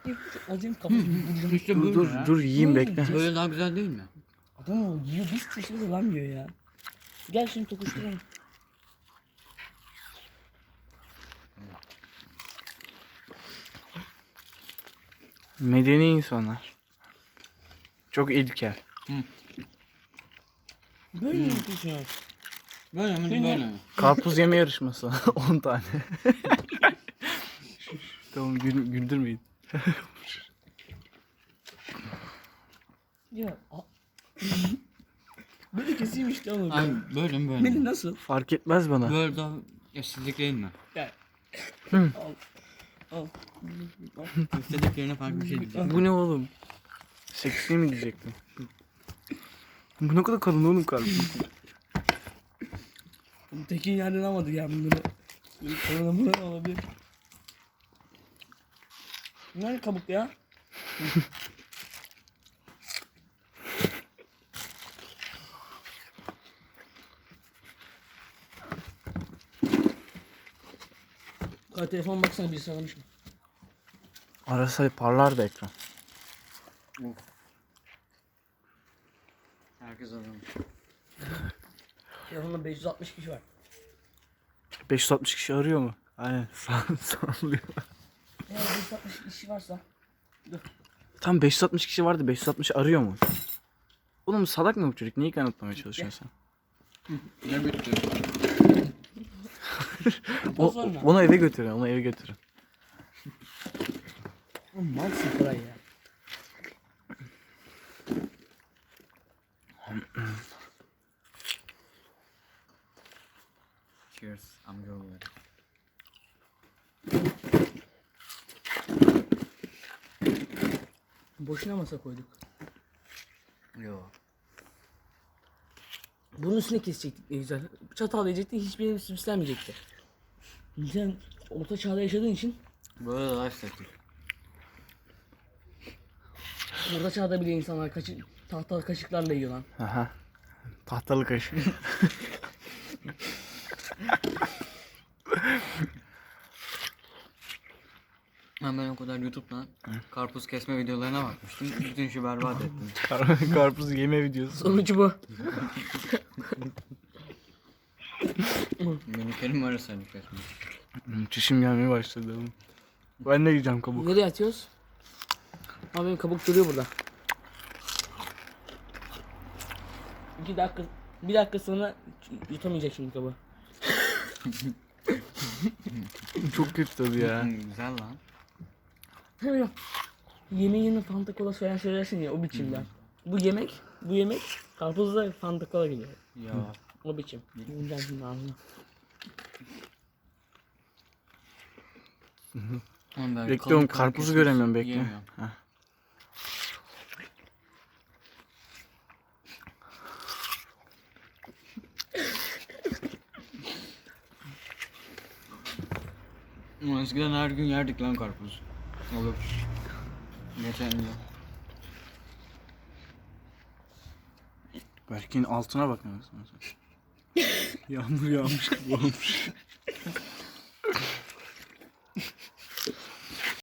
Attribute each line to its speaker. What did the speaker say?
Speaker 1: Acayip kafayı.
Speaker 2: İşte
Speaker 3: Dur
Speaker 2: böyle
Speaker 3: dur
Speaker 2: ya.
Speaker 3: dur yiyeyim bekle.
Speaker 2: Böyle daha güzel değil mi?
Speaker 1: Adam o yiyor, biz kişimiz lan diyor ya. Gel şimdi tokuşturalım.
Speaker 3: Medeni insanlar. Çok ilkel.
Speaker 1: Böyle mi yapıyorsun?
Speaker 2: Böyle mi
Speaker 1: Şimdi-
Speaker 2: böyle mi?
Speaker 3: Karpuz yeme yarışması. 10 tane. Tamam güldürmeyin.
Speaker 1: Ya. Böyle keseyim işte oğlum.
Speaker 2: Ay böyle mi böyle
Speaker 1: Melih
Speaker 2: mi?
Speaker 1: nasıl?
Speaker 3: Fark etmez bana.
Speaker 2: Böyle daha eşsizlik değil mi?
Speaker 1: Gel.
Speaker 3: Hı.
Speaker 1: Al.
Speaker 2: Eşsizlik yerine farklı bir şey diyeceğim.
Speaker 3: Bu ne oğlum? Seksi mi diyecektim? Bu ne kadar kalın oğlum karpuz.
Speaker 1: Tekin yerden almadı ya bunları. Sonra buradan alabilir. Nerede kabuk ya? Telefon baksana bir sağlamış mı?
Speaker 3: Arasa parlar da ekran.
Speaker 2: Herkes aramış.
Speaker 1: Telefonda 560 kişi var.
Speaker 3: 560 kişi arıyor mu? Aynen sallıyor.
Speaker 1: Eğer 560 kişi varsa
Speaker 3: Tam 560 kişi vardı, 560 arıyor mu? Oğlum salak mı bu çocuk? Neyi kanıtlamaya çalışıyorsun sen?
Speaker 2: Ne bitti?
Speaker 1: sonra.
Speaker 3: Onu eve götürün, onu eve götürün.
Speaker 1: Malsın kolay ya.
Speaker 2: Cheers amcaoğulları.
Speaker 1: Boşuna masa koyduk.
Speaker 2: Yo.
Speaker 1: Bunun üstüne kesecektik ne güzel. Çatal yiyecektik, hiçbir yerim süslenmeyecekti. Sen orta çağda yaşadığın için
Speaker 2: Böyle daha estetik.
Speaker 1: orta çağda bile insanlar tahta kaşıklarla yiyor lan.
Speaker 3: Aha. Tahtalı kaşık.
Speaker 2: Ben o kadar YouTube'dan karpuz kesme videolarına bakmıştım. Bütün işi berbat ettim.
Speaker 3: Karpuz yeme videosu.
Speaker 1: Sonucu bu.
Speaker 2: Miniklerim var seni kesmiş.
Speaker 3: Çişim gelmeye başladı oğlum. Ben de yiyeceğim kabuk.
Speaker 1: Nereye atıyoruz? Ama benim kabuk duruyor burada. 2 dakika, 1 dakika sonra yutamayacak şimdi kabuğu.
Speaker 3: Çok kötü tadı ya.
Speaker 2: Güzel lan.
Speaker 1: Tabii yemeğin yanına Fanta Cola söylersin ya o biçimden. Bu yemek karpuzla Fanta Cola geliyor.
Speaker 2: Ya.
Speaker 1: O biçim. Bundan şimdi ağzına.
Speaker 2: Oğlum ben
Speaker 3: Bekle
Speaker 2: kalın
Speaker 3: oğlum,
Speaker 2: kalın
Speaker 3: karpuzu
Speaker 2: kesmiş,
Speaker 3: göremiyorum, bekle.
Speaker 2: yiyemiyorum.
Speaker 3: Heh.
Speaker 2: Ama eskiden her gün yerdik lan karpuz. Olur. Geçen yıl.
Speaker 3: Berk'in altına bak. Yağmur yağmış gibi olmuş.